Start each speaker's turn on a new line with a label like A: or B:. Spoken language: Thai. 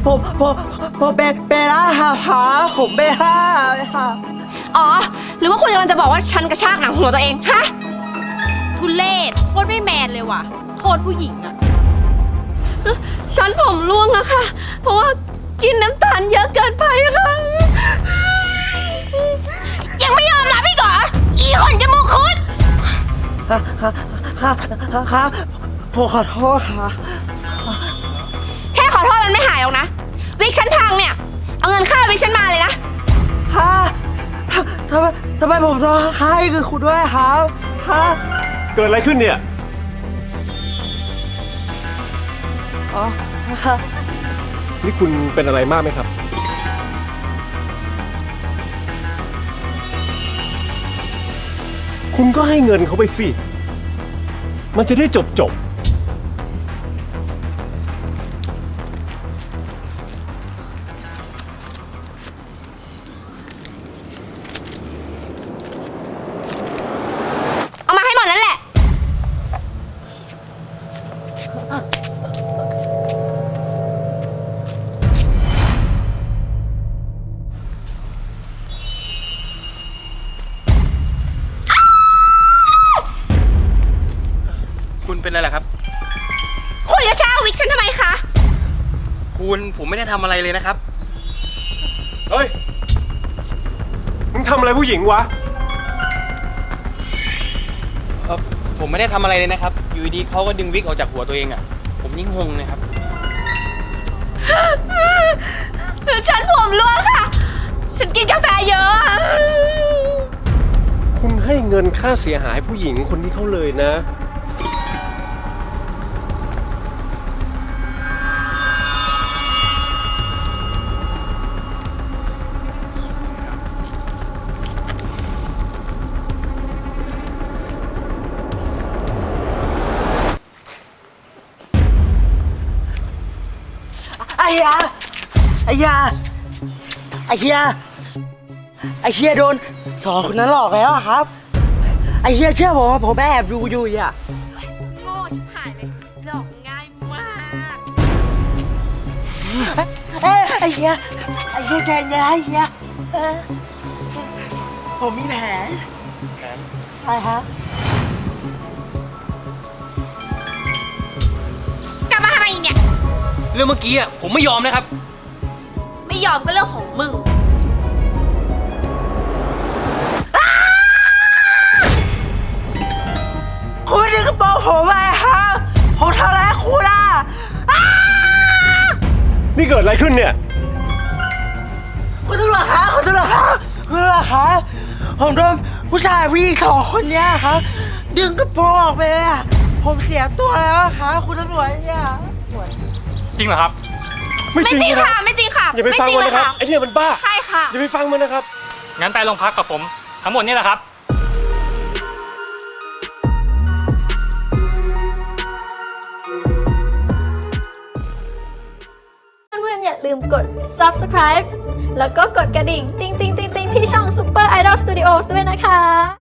A: ผมเบล่าหาผมเบล่าค่ะ
B: อ๋อหรือว่าคุณกำลังจะบอกว่าฉันกระชากหนังหัวตัวเองฮะทุเรศโคตรไม่แมนเลยว่ะโทษผู้หญิงอะฉันผมร่วงอะค่ะเพราะว่ากินน้ำตาลเยอะเกินไปค่ะยังไม่ยอมรับอีกเหรออีคนจมูกคุด
A: ค่ะผมขอโทษค่ะ
B: แค่ขอโทษมันไม่หายหรอกนะวิกฉันพังเนี่ยเอาเงินค่าวิกฉันมาเลยนะ
A: ฮะทำไมผมต้องให้คือคุณด้วยครับฮะ
C: เกิดอะไรขึ้นเนี่ย
A: อ๋อ
C: นี่คุณเป็นอะไรมากไหมครับคุณก็ให้เงินเขาไปสิมันจะได้จบ
B: เอามาให้หมดนั่นแหละ
D: คุณเป็นอะไรล่ะครับ
B: คุณจะเช่าวิกฉันทำไมคะ
D: ผมไม่ได้ทำอะไรเลยนะครับ
C: เฮ้ยมึงทำอะไรผู้หญิงวะ
D: ผมไม่ได้ทำอะไรเลยนะครับอยู่ดีเขาก็ดึงวิกออกจากหัวตัวเองอ่ะผมยิ่งงงเลยครับ
B: ฉันผมร่วงค่ะฉันกินกาแฟเยอะ
C: คุณให้เงินค่าเสียหายผู้หญิงคนนี้เขาเลยนะ
A: ไอ้เฮียโดนสองคนนั้นหลอกแล้วครับไอ้เฮียเชื่อผมว่าผมแอบดูอยู่อ่ะ
B: โง่ชิบหายเลยหลอกง่ายมาก
A: ไอ้เฮียแกเนี่ยไอ้เฮียผมมีแผนอะไรฮะ
B: กลับมาทำไมอีกเนี่ย
D: เรื่องเมื่อกี้อ่ะผมไม่ยอมนะครับ
B: ไม่ยอมก็เรื่องของมึง
A: คุณดึงกระโปรงผมไปครับผมทำอะไรคุณอ่ะ
C: นี่เกิดอะไรขึ้นเนี่ย
A: คุณตำรวจครับผมโดนผู้ชายผู้หญิงสองคนเนี้ยครับดึงกระโปรงออกไปอ่ะผมเสียตัวแล้วครับคุณตำรวจเนี่ย
D: จริงเหรอครับ
B: ไม่จริงค่ะไม่จริงค่ะ
C: อย่าไปฟังมันนะครับไอ้เนี่ยมันบ้า
B: ใช่ค่ะ
C: อย่าไปฟังมันนะครับ
D: งั้นไปโรงพักกับผมทั้งหมดนี่แหละครับ
E: เพื่อนๆอย่าลืมกด subscribe แล้วก็กดกระดิ่งติ๊งๆๆๆที่ช่อง Super Idol Studios ด้วยนะคะ